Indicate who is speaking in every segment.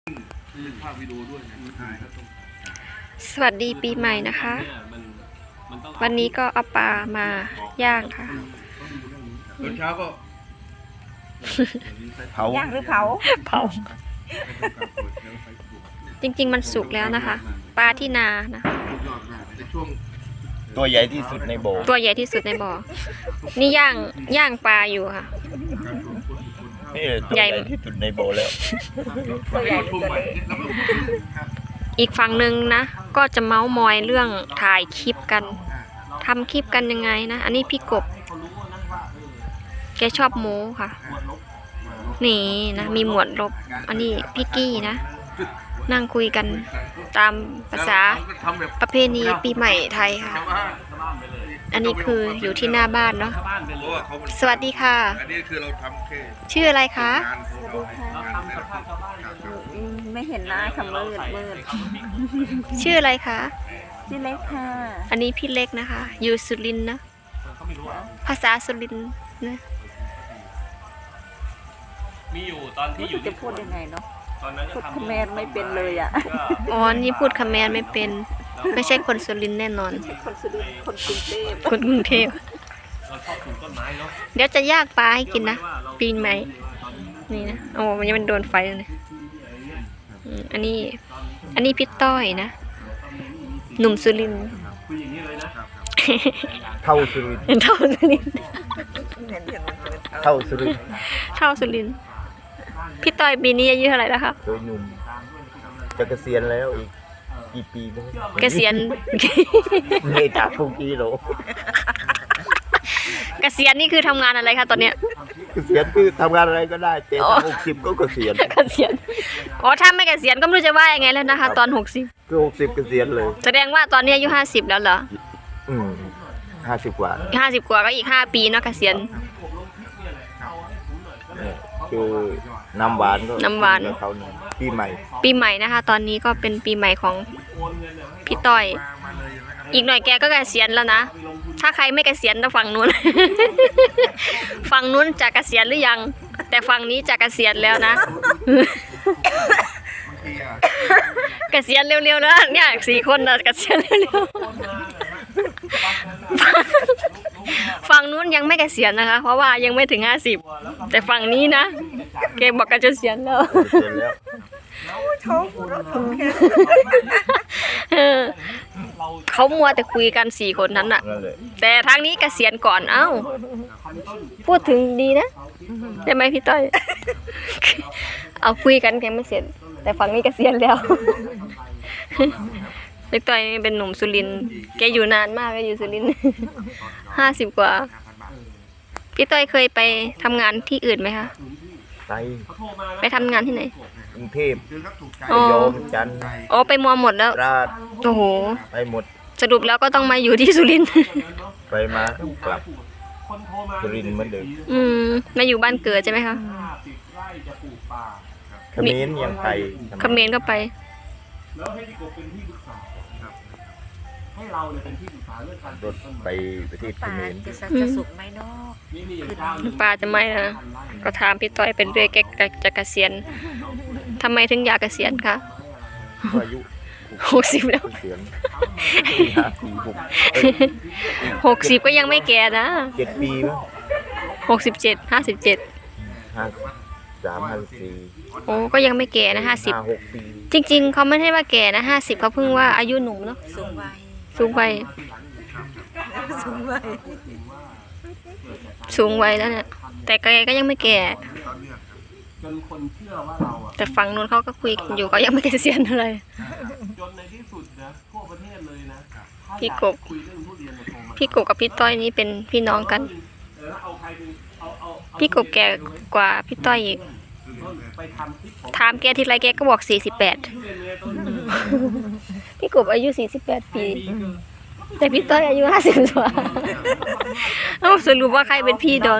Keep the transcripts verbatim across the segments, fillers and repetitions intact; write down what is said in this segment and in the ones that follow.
Speaker 1: ภาพวิดีโอด้วย
Speaker 2: สวัสดีปีใหม่นะคะ วันนี้ก็เอาปลามาย่างค่ะ
Speaker 1: ตอนเช้าก็
Speaker 3: เผาย่างหรือเผา
Speaker 2: เผาจริงๆมันสุกแล้วนะคะ ปลาที่นานะ
Speaker 3: ตัวใหญ่ที่สุดในบ่อ
Speaker 2: ตัวใหญ่ที่สุดในบ่อนี่ย่างย่างปลาอยู่ค่ะ
Speaker 3: นี่ตัวใหญ่ที่สุดในบ่อแล้ว
Speaker 2: อีกฝั่งหนึ่งนะก็จะเมาส์มอยเรื่องถ่ายคลิปกันทำคลิปกันยังไงนะอันนี้พี่กบแกชอบโม้ค่ะนี่นะมีหมวดลบอันนี้พี่กี้นะนั่งคุยกันตามภาษาประเพณีปีใหม่ไทยค่ะอันนี้คืออยู่ที่หน้าบ้านเนาะสวัสดีค่ะชื่ออะไรคะ
Speaker 4: ไม่เห็นหน้าค่ะมืดมืด
Speaker 2: ชื่ออะไรคะ
Speaker 4: ชื่อเล็กค่ะ
Speaker 2: อันนี้พี่เล็กนะคะอยู่สุรินทร์นะภาษาสุรินทร์นะ
Speaker 5: มีอยู่ตอนที่อยู่
Speaker 4: จะพูดยังไงเนาะพูดคำแมนไม่เป็นเลยอ่ะ
Speaker 2: อ๋อนี่พูดคำแมนไม่เป็นไม่ใช่คนสุรินทร์แน่นอน
Speaker 4: คนสุรินทร์คนกรุงเทพ
Speaker 2: คนกรุงเทพเดี๋ยวจะย่างปลาให้กินนะปีนไหมนี่นะโอ้มันยังมันโดนไฟเลยอันนี้อันนี้พี่ต้อยนะหนุ่มสุรินทร์
Speaker 3: เท่าสุรินทร์
Speaker 2: เท่าสุรินทร์
Speaker 3: เท่าสุรินทร์
Speaker 2: เท่าสุรินทร์พี่ต้อยปีนี้อายุเท่าไหร่แล้วครับ
Speaker 3: โดยหนุ่มจะเกษียณแล้วอีกกี่ปีบ้าง
Speaker 2: เกษียณ
Speaker 3: ไม่จากพวกกี้หรอ
Speaker 2: เกษียณนี่คือทำงานอะไรคะตอนเนี้ย
Speaker 3: เกษียณคือทำงานอะไรก็ได้เจ็ดหกสิบก็เกษียณ
Speaker 2: เกษียณอ๋อถ้าไม่เกษียณก็ไม่รู้จะว่ายังไงแล้วนะคะตอนหกสิบ
Speaker 3: คือหกสิบเกษียณเลย
Speaker 2: แสดงว่าตอนนี้อายุห้าสิบแล้วเหรอ
Speaker 3: อืมห้าสิบกว่า
Speaker 2: ห้าสิบกว่าก็อีกห้าปีเนาะเกษียณ
Speaker 3: คือน้ำหวานก็
Speaker 2: น้ำหวาน
Speaker 3: เขาปีใหม่
Speaker 2: ปีใหม่นะคะตอนนี้ก็เป็นปีใหม่ของพี่ต้อยอีกหน่อยแกก็เกษียณแล้วนะถ้าใครไม่เกษียณจะฝั่งนู้นฝั่งนู้นจะเกษียณหรือยังแต่ฝั่งนี้จะเกษียณแล้วนะเกษียณเร็วๆแล้วเนี่ยสี่คนนะเกษียณเร็วๆฝั่งนู้นยังไม่เกษียณนะคะเพราะว่ายังไม่ถึงห้าสิบแต่ฝั่งนี้นะแกบอกกันจะเกษียณแล้วเขามัวแต่คุยกันสี่คนนั้นน่ะแต่ทางนี้เกษียณก่อนเอ้าพูดถึงดีนะได้ไหมพี่ต้อยเอาคุยกันยังไม่เสร็จแต่ฝั่งนี้เกษียณแล้วพี่ต้อยเป็นหนุ่มสุรินทร์แกอยู่นานมากแกอยู่สุรินทร์ห้าสิบกว่าพี่ต้อยเคยไปทำงานที่อื่นไหมคะ
Speaker 3: ไป
Speaker 2: ไปทำงานที่ไหน
Speaker 3: กรุงเทพระยองจันทร์
Speaker 2: อ๋อไปมัวหมดแล้ว
Speaker 3: ราช
Speaker 2: โอ้โห
Speaker 3: ไปหมด
Speaker 2: สรุปแล้วก็ต้องมาอยู่ที่สุรินทร์
Speaker 3: ไปมากลับสุรินทร์เหมือนเดิม
Speaker 2: อืมมาอยู่บ้านเกิดใช่ไหมคะ
Speaker 3: เขมรยังไป
Speaker 2: เขมรก็ไป
Speaker 5: แล้วให้พี่กบเป็นที่ปรึกษาให้เราเนี่ยเป็นที่ปรึกษาเรื่องการ
Speaker 3: รถไปประเทศเขมร
Speaker 4: จะสุกไหมเนาะ
Speaker 2: ปลาจะไม่นะก็ถามพี่ต้อยเป็นเรื่อยแกจะเกษียณทำไมถึงอยากเกษียณคะ
Speaker 3: อายุ
Speaker 2: หกสิบแล้วหกสิบก็ยังไม่แก่นะ
Speaker 3: เจ็ดปีมั้ง
Speaker 2: หกสิบเจ็ดห้าสิบเจ็ด
Speaker 3: ห้าสามห้าสี่
Speaker 2: โอ้ก็ยังไม่แก่นะห้าสิบจริงๆเขาไม่ให้ว่าแก่นะห้าสิบเขาเพิ่งว่าอายุหนุ่มเนาะ
Speaker 4: สูงวัย
Speaker 2: สูงวัย
Speaker 4: สูงวัย
Speaker 2: สูงวัยแล้วเนี่ยแต่แกก็ยังไม่แก่แต่ฝั่งนู้นเขาก็คุยกันอยู่เขายังไม่เกษียณอะไรพี่กบพี่กบกับพี่ต้อยนี่เป็นพี่น้องกันพี่กบแก่กว่าพี่ต้อยอีกถามแกทีไรแกก็บอกสี่สิบแปดพี่กบอายุสี่สิบแปดปีแต่พี่ต้อยอายุห้าสิบกว่าเอ้าสรุปว่าใครเป็นพี่ดอง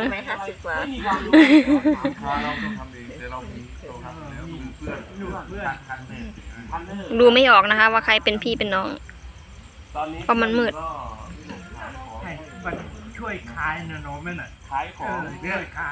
Speaker 2: ดูไม่ออกนะคะว่าใครเป็นพี่เป็นน้องเพราะมันมืด
Speaker 1: ช่วยขายเนาะแม่น่ะขายของช่วยขาย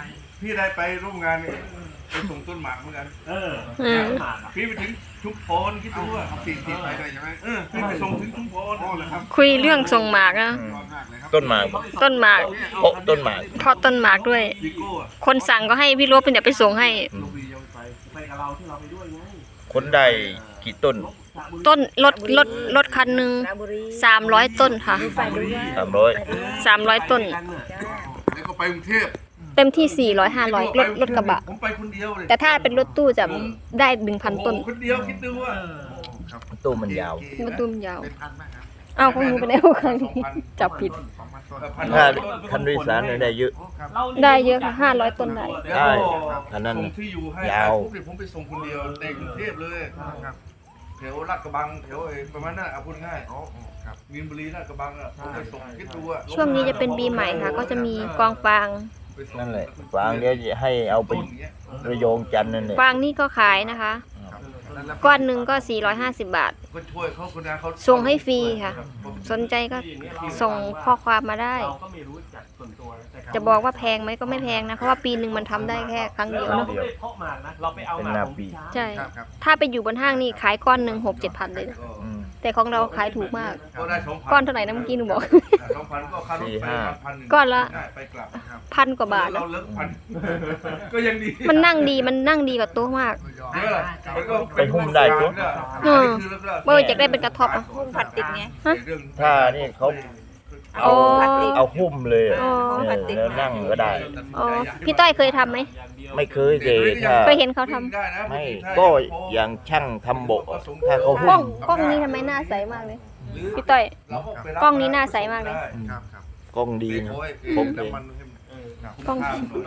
Speaker 1: พี่ได้ไปร่วมงานเนี่ยไปส่งต้นหมากเหมือนกัน
Speaker 5: เออ
Speaker 2: อืม
Speaker 5: หมากอะ
Speaker 1: พี่ไปถึงชุมพรคิดดูว่าปีติดไปเลยใช่ไหมเออพี่ไปส่งถึงชุมพรโอ้เลยครับ
Speaker 2: คุยเรื่องส่งหมากนะ
Speaker 3: อืม
Speaker 1: ยอดมากเลยครับ
Speaker 3: ต้นหมาก
Speaker 2: ต้นหมาก
Speaker 3: โอ๊ะต้นหมาก
Speaker 2: เพราะต้นหมากด้วย
Speaker 1: วิโก้อะ
Speaker 2: คนสั่งก็ให้พี่ลบเป็นเดี๋ยวไปส่งให้
Speaker 1: ลูกวียังไป
Speaker 5: ไปกับเราที่เราไปด้วยไง
Speaker 3: คนได้กี่ต้น
Speaker 2: ต้นรถรถรถคันหนึ่ง
Speaker 4: ราชบุรี
Speaker 2: สามร้อยต้นค่ะ
Speaker 4: ไปด้วย
Speaker 3: สามร้อย
Speaker 2: สามร้อยต้น
Speaker 1: แล้วก็ไปกรุงเทพ
Speaker 2: เต็มที่สี่ร้อยห้าร้อยรถรถกระบะ
Speaker 1: ผมไปคนเดียวเลย
Speaker 2: แต่ถ้าเป็นรถตู้จะได้หนึ่งพันต้น
Speaker 1: โอ้โหคนเดียวคิดดูว่าครับ
Speaker 3: ตู้มันยาว
Speaker 2: รถตู้มันยาว
Speaker 1: เป็นพันไหมครับ
Speaker 2: อ้าวของหนูไปแล้วครั้งนี้จับผิด
Speaker 1: สองพันต้นพัน
Speaker 3: ถ้า
Speaker 1: ต้น
Speaker 3: คันโดยสารเนี่ยได้เยอะ
Speaker 1: ครับ
Speaker 2: ได้เยอะค่ะห้าร้อยต้นได้
Speaker 1: แล้ว
Speaker 3: ได้
Speaker 1: ก็
Speaker 3: คันนั้น
Speaker 1: ส่งที่อยู่ให้
Speaker 3: ยาว
Speaker 1: ปุ๊บเนี่ยผมไปส่งคนเดียวในกรุงเทพเลยครับแถวลาดกระบังแถวไอ้ประมาณนั้นเอาพูดง่ายครับมีนบุรีลาดกระบังอ่ะผมไปส่งคิดดูอ่ะ
Speaker 2: ช่วงนี้จะเป็นปีใหม่ค่ะ ก็จะมีกองฟาง
Speaker 1: ไปส่ง
Speaker 3: นั่นแหละฟางเดี๋ยวจะให้เอาไป
Speaker 1: ต้นเงี้ย
Speaker 3: ระโยงจันทร์นั่นแหละ
Speaker 2: ฟางนี่ก็ขายนะคะ ก้อนหนึ่งก็สี่ร้อยห้าสิบบาท
Speaker 1: ก็ช่วยเขาคนงานเขา
Speaker 2: ส่งให้ฟรีค่ะ สนใจก็ส่งข้อความมาได้
Speaker 5: เราก็ไม่รู้จักส่วนตัวแต่เขา
Speaker 2: จะบอกว่าแพงไหมก็ไม่แพงนะ เพราะว่าปีหนึ่งมันทำได้แค่ครั้งเดียว
Speaker 5: เรา
Speaker 2: เนาะ
Speaker 5: ก็ไม่ได้เพาะหมากนะเราไปเอาหมากของพี่ช้าง
Speaker 2: ใช่
Speaker 1: ครับครับ
Speaker 2: ถ้าไปอยู่บนห้างนี่ขายก้อนหนึ่งหกเจ็ดพันเลยนะ
Speaker 1: ก็
Speaker 3: อืม
Speaker 2: แต่ของเราขายถูกมาก
Speaker 1: ก็ได้สองพัน
Speaker 2: ก้อนเท่าไหร่นะเมื่อกี้หนูบอก
Speaker 1: สองพันก็ค่ารถ
Speaker 3: สี่
Speaker 1: ไป
Speaker 3: ห้า
Speaker 1: พันหนึ่ง
Speaker 2: ก้อนละ
Speaker 1: ได้ไปกลับครับ
Speaker 2: พันกว่าบาท
Speaker 1: เรา
Speaker 2: นะ
Speaker 1: เลิกพันก็ยังดี
Speaker 2: มันนั่งดีมันนั่งดีกว่าโต๊ะมาก
Speaker 1: เยอะแล้วก็
Speaker 3: ไปหุ้มได้ตัว
Speaker 2: เออ เบอร์จะได้เป็นกระทบอ่ะ
Speaker 4: หุ้มพลาสติกไง
Speaker 3: ถ้านี่เขา
Speaker 2: โอ้
Speaker 3: เอาเอาหุ้มเลยอะ
Speaker 2: อ๋อ
Speaker 3: เนี่ยแล้วนั่งก็ได้
Speaker 2: อ๋อพี่ต้อยเคยทำไหม
Speaker 3: ไม่เคยเลยถ้า
Speaker 2: เคยเห็นเขาทำ
Speaker 3: ไม่ก็อย่างช่างทำโบกอะถ้าเขา
Speaker 2: กล้
Speaker 3: หุ้
Speaker 2: อง
Speaker 3: ม
Speaker 2: กล้องนี้ทำไมหน้าใสมากเลย พี่ต้อย กล้องนี้หน้าใสมากเลย
Speaker 1: ครับครับ
Speaker 3: กล้องดีนะ
Speaker 1: ผ
Speaker 3: ผม ม
Speaker 1: น้ำมันให้
Speaker 2: กล้อง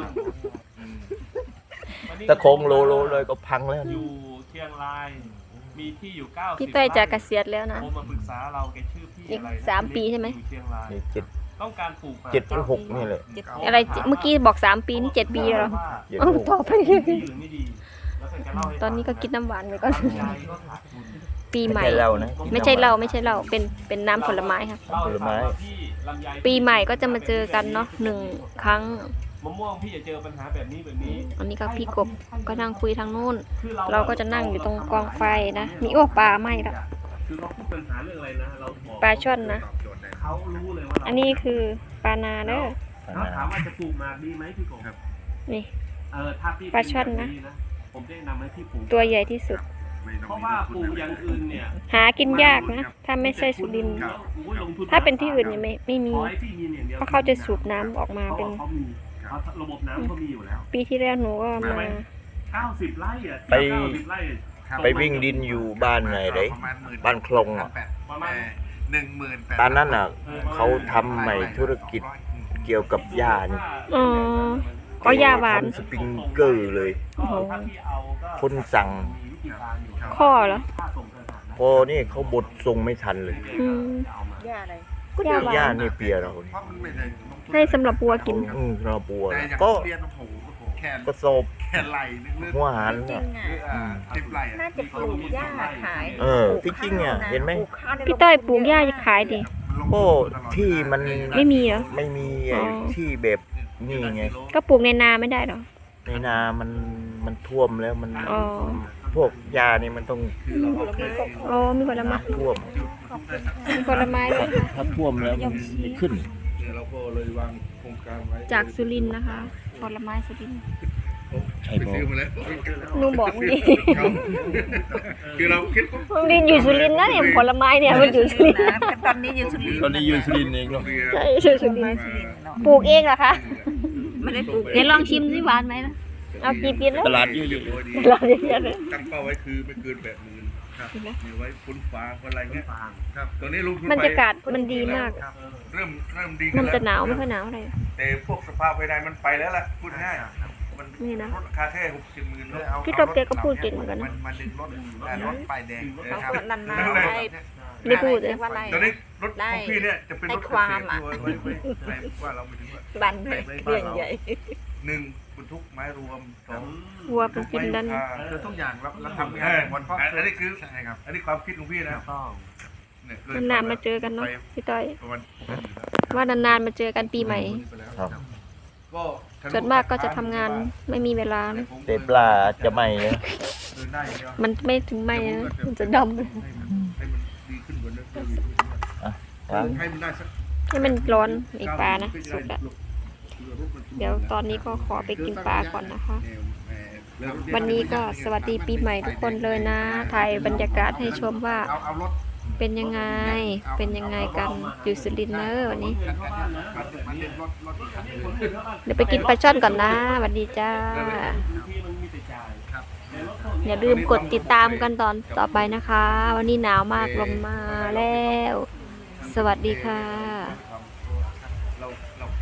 Speaker 3: ถ้าโค้งโลโลเลยก็พังแล้ว
Speaker 5: อยู่เชียงราย มีที่อยู่เก้าสิบ
Speaker 2: พี่ต้อยจะเกษียณแล้วนะ
Speaker 5: โทรมาปรึกษาเราแกชื่อพี่
Speaker 2: อีก
Speaker 5: อะไรนะ
Speaker 2: สามปีใช่ไหม
Speaker 5: อยู่เชียงราย
Speaker 3: นี่เจ็ด
Speaker 5: ต้องการปลูก
Speaker 3: เจ็ดหรือหกนี่แหละ
Speaker 2: อะไรเมื่อกี้บอกสามปีนี่เจ็ดปีแล้วเหรอ
Speaker 3: เจ็ด
Speaker 2: เอา
Speaker 3: หก
Speaker 2: ต่อไป
Speaker 5: ที่อื่นไม่ดีแล้วแกจะเล่าให้ฟัง
Speaker 2: ตอนนี้ก็กินน้ำหวานไปก่อน
Speaker 5: ลำไยก็ขาดทุน
Speaker 2: ปีให
Speaker 3: ไม่
Speaker 2: ม่
Speaker 3: ใช่เรานะ
Speaker 2: ไม่ใช่เราไม่ใช่เราเป็นเป็นน้ำผลไม้ค่ะ
Speaker 5: เล่าให้ฟังว่าพี่ลำไย
Speaker 2: ปีใหม่ก็จะมาเจอกันเนาะหนึ่งครั้ง
Speaker 5: มะม่วงพี่จะเจอปัญหาแบบนี้แบบนี้
Speaker 2: อันนี้ก็พี่กบก็นั่งคุยทางนู้น
Speaker 5: คือ
Speaker 2: เราก็จะนั่งอยู่ตรงกองไฟนะมีโอ้ปลาไหม้ละ
Speaker 5: คือเขาพูดปัญหาเรื่องอะไรนะเราบอก
Speaker 2: ปลาช่อนนะ
Speaker 5: เขารู้เลยว่าเรา
Speaker 2: อันนี้คือปลานาเด้อ
Speaker 5: เขาถามว่าจะปลูกหมากดีไหมพี่กบ
Speaker 2: นี่
Speaker 5: เออถ้าพี่
Speaker 2: ปลาช่อนนะ
Speaker 5: ผมแนะนำให้พี่ปลูก
Speaker 2: ตัวใหญ่ที่สุด
Speaker 5: เพราะว่าปลูกอย่างอื่นเนี่ย
Speaker 2: หากินยากนะ ถ้าไม่ใช่สุรินทร์
Speaker 5: โอ้ยลงทุ
Speaker 2: ถ้าเป็นที่อื่นเนี่ยไม่ไม่มี
Speaker 5: ขอให้พี่มีอย่างเดียว
Speaker 2: เพราะเขาจะสูบน้ำออกมาเป็น
Speaker 5: พราะว่าเขามีเขาระบบน้ำเขามีอยู่แล้ว
Speaker 2: ปีที่แล้วหนูก็มา
Speaker 5: เก้าสิบไร่อ่ะ
Speaker 3: ไป
Speaker 5: เก้าสิบไร่
Speaker 3: ไปวิ่งดินอยู่บ้านไหนเลยบ้านคลองอ่ะ
Speaker 5: ประมาณ
Speaker 1: หนึ่งหมื่นแปด
Speaker 3: ตอนนั้นอ่ะเขาทำใหม่ธุรกิจเกี่ยวกับหญ้านี่
Speaker 2: อ๋อก็ยาหวาน
Speaker 3: ทำสปริงเกอร์เลย
Speaker 2: โอ้โห
Speaker 5: ถ้าพี่เอาก็
Speaker 3: คนสั่ง
Speaker 5: มีวิธีการอยู่
Speaker 2: ข้อเหรอ
Speaker 5: ค่าส่งเธอหานะ
Speaker 3: พอนี่เขาบดส่งไม่ทันเลย
Speaker 2: อืม
Speaker 5: เอามา
Speaker 4: ย่าอะไร
Speaker 2: ก็ยาหวา
Speaker 3: หญ้าน นี่เปียเรานี่
Speaker 1: เพราะมันไม่ได้ลงทุน
Speaker 2: ให้สำหรับวัวกิน
Speaker 3: อืมเราปัว
Speaker 1: แต่อย่าง
Speaker 3: ก็
Speaker 1: เรียนโอ้โหแค่
Speaker 3: ก็สอบ
Speaker 1: แค่ไหลนึงเลือด
Speaker 3: หัวหาร
Speaker 4: จริ
Speaker 3: น่ะ
Speaker 4: งๆอ่ะ
Speaker 1: สิบไหล
Speaker 4: น่าจะปลูกหญ้าขาย
Speaker 3: เออที่จริงอ่ะเห็นไหม
Speaker 4: ปลูกข้าวใน
Speaker 2: พี่ต้อยปลูกหญ้าจะขายดิ
Speaker 3: ก็ที่มัน
Speaker 2: ไม่มีเหรอ
Speaker 3: ไม่มีไอ้
Speaker 2: อ๋อ
Speaker 3: ที่แบบนี่ไง
Speaker 2: ก็ปลูกในนาไม่ได้เหรอ
Speaker 3: ในนามันมันท่วมแล้วมัน
Speaker 2: อ๋อ
Speaker 3: พวกยานี่มันต้อง
Speaker 2: อ๋อมีผลไม้
Speaker 3: ท่วม
Speaker 2: มีผลไม้ด้วยค่ะ
Speaker 3: ถ้าท่วมแล้วมันไม่ขึ้น
Speaker 1: เนี่ยเราก็เลยวางโครงการไว้
Speaker 2: จากสุรินทร์นะคะ ผลไม้สุรินทร์
Speaker 3: ใช่
Speaker 1: ไป
Speaker 3: ปะ
Speaker 1: ซื้อมาแล้ว
Speaker 2: หนูบอกนี่
Speaker 1: ครับคือเราคิดว่า
Speaker 2: มันดินอยู่สุรินทร์นะเนี่ยผลไม้เนี่ยมันอยู่สุรินทร์
Speaker 4: นะตอนนี้อยู่สุรินทร์
Speaker 3: ตอนนี้อยู่สุรินทร์เองเนาะ
Speaker 1: เรียน
Speaker 2: ใช่อยู่สุรินทร์
Speaker 4: สุรินทร์เนาะ
Speaker 2: ปลูกเองเหรอคะ
Speaker 4: ไม่ได้ปลูก
Speaker 2: เดี๋ยวลองชิมสิหวานไหมนะเอากี่ปีแล้ว
Speaker 3: ตลาดเยอะ
Speaker 2: ลองเยอะๆเลย
Speaker 1: ตั้งเป้าไว้คือไม่เกินแปดหมื่นครับมีไว้พ้นฟ้าคนอะไรเงี้ย
Speaker 5: ฟาง
Speaker 1: ครับตอนนี้ลงทุน
Speaker 2: บร
Speaker 1: ไป
Speaker 2: รยากาศมันดีมาก
Speaker 1: ครับเริ่มเริ่มดี
Speaker 2: มัน
Speaker 1: แล้ว
Speaker 2: จะหนาวไม่ค่อยหนาวอะไร
Speaker 1: แต่พวกสภาพภายในมันไปแล้วล่ะพูดง่ายมัน
Speaker 2: นี่นะ
Speaker 1: ลดราคาแค่หกสิบหมื่น
Speaker 2: พี่กบแกก็พูดเก่งเหมือนกันนะ
Speaker 1: มันดึงรถรถป้ายแดง
Speaker 4: เขาก็นานๆได้
Speaker 2: ได้พูดเลย
Speaker 4: เรียกว่าอะไร
Speaker 1: ตอนนี้รถของพี่เนี่ยจะเป็นรถ
Speaker 4: ให้ความอะ
Speaker 1: ไว้ไว้ไว้ไว้ว่าเราไม่ถึงว่า
Speaker 4: บันเรื่องใหญ่
Speaker 1: หนึ่งบรรทุกไม้รวมสอง
Speaker 2: วัวเป็นกินดัน
Speaker 1: คือทุกอย่างเราเราทำงานวันเพราะอันนี้คือใช่ครับอันนี้ความคิดของพี่นะ
Speaker 5: ต้อง
Speaker 1: เนี่ย
Speaker 2: นานๆมาเจอกันเนาะพี่ต้อย
Speaker 1: ประมาณ
Speaker 2: ว่านานๆมาเจอกันปีใหม่
Speaker 3: ครับ
Speaker 1: ก็ท
Speaker 2: ส่วนมากก็จะทำงานไม่มีเวลานะ
Speaker 3: แต่ปลาจะไหม่นะ
Speaker 1: เดินได้อย่างเดียว
Speaker 2: มันไม่ถึงไหมนะมันจะดำเลย
Speaker 1: ให้มันให้มันดีขึ้นกว่าเดิม
Speaker 3: ครับ
Speaker 1: ให้มันได้สัก
Speaker 2: ให้มันร้อนอีกปลานะสุกอะเดี๋ยวตอนนี้ก็ขอไปกินปลาก่อนนะคะ วันนี้ก็สวัสดีปีใหม่ทุกคนเลยนะ ถ่ายบรรยากาศให้ชมว่า
Speaker 1: เอาเอารถ
Speaker 2: เป็นยังไง เป็นยังไงกันอยู่สุรินทร์เนอะวันนี้ เดี๋ยวไปกินปลาช่อนก่อนนะสวัสดีจ้า
Speaker 5: ที่มันมีแต่จ่ายแต่รถพวกนี้
Speaker 2: อย่าลืมกดติดตามกันตอนต่อไปนะคะ วันนี้หนาวมากลงมาแล้ว สวัสดีค่ะ